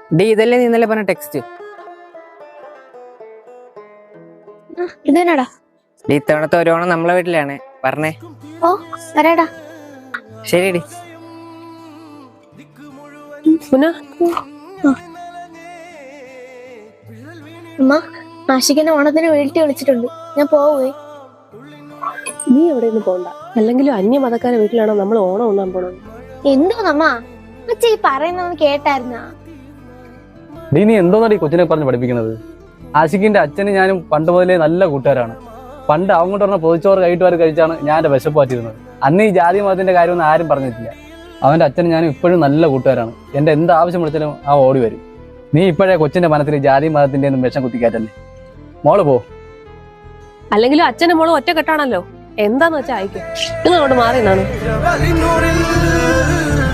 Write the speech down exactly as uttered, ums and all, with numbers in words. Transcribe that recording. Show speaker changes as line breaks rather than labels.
D ഇതല്ലേ നീ ഇന്നലെ പറഞ്ഞ ടെക്സ്റ്റ്?
ഇതെന്നാടാ?
ഡി ഇത്തവണത്തെ ഒരു ഓണം നമ്മളെ വീട്ടിലാണ്, പറഞ്ഞേ.
ഓ വരാടാ.
ശരി ഡി.
അമ്മ ആഷിക്കനെ ഓണത്തിന് വീട്ടിൽ വിളിച്ചിട്ടുണ്ട്, ഞാൻ പോവേ.
നീ എവിടെ നിന്ന് പോണ്ട, അല്ലെങ്കിലും അന്യ മതക്കാരെ വീട്ടിലാണോ നമ്മൾ ഓണം ഉണ്ണാൻ പോണത്?
എന്തോന്നമ്മ അച്ഛ ഈ പറയുന്നൊന്ന് കേട്ടായിരുന്നാ?
നീ നീ എന്തോന്നാണ് ഈ കൊച്ചിനെ പറഞ്ഞ് പഠിപ്പിക്കുന്നത്? ആഷിഖിന്റെ അച്ഛനും ഞാനും പണ്ട് മുതലേ നല്ല കൂട്ടുകാരാണ്. പണ്ട് അങ്ങോട്ട് പറഞ്ഞ പൊതിച്ചോറ് കൈയിട്ടുവാർ കഴിച്ചാണ് ഞാൻ എന്റെ വിശപ്പ് മാറ്റിയിരുന്നത്. അന്ന് ഈ ജാതി മതത്തിന്റെ കാര്യമൊന്നും ആരും പറഞ്ഞിട്ടില്ല. അവന്റെ അച്ഛനും ഞാനും ഇപ്പോഴും നല്ല കൂട്ടുകാരാണ്. എന്റെ എന്ത് ആവശ്യം വിളിച്ചാലും ആ ഓടി വരും. നീ ഇപ്പോഴേ കൊച്ചിന്റെ മനസ്സിൽ ജാതി മതത്തിന്റെ ഒന്നും വിഷം കുത്തിക്കാറ്റല്ലേ. മോള് പോ.
അല്ലെങ്കിലും അച്ഛനും മോളും ഒറ്റക്കെട്ടാണല്ലോ, എന്താന്ന് വെച്ചാ അയക്കും. നിങ്ങൾ അങ്ങോട്ട് മാറി നിന്നാണ്.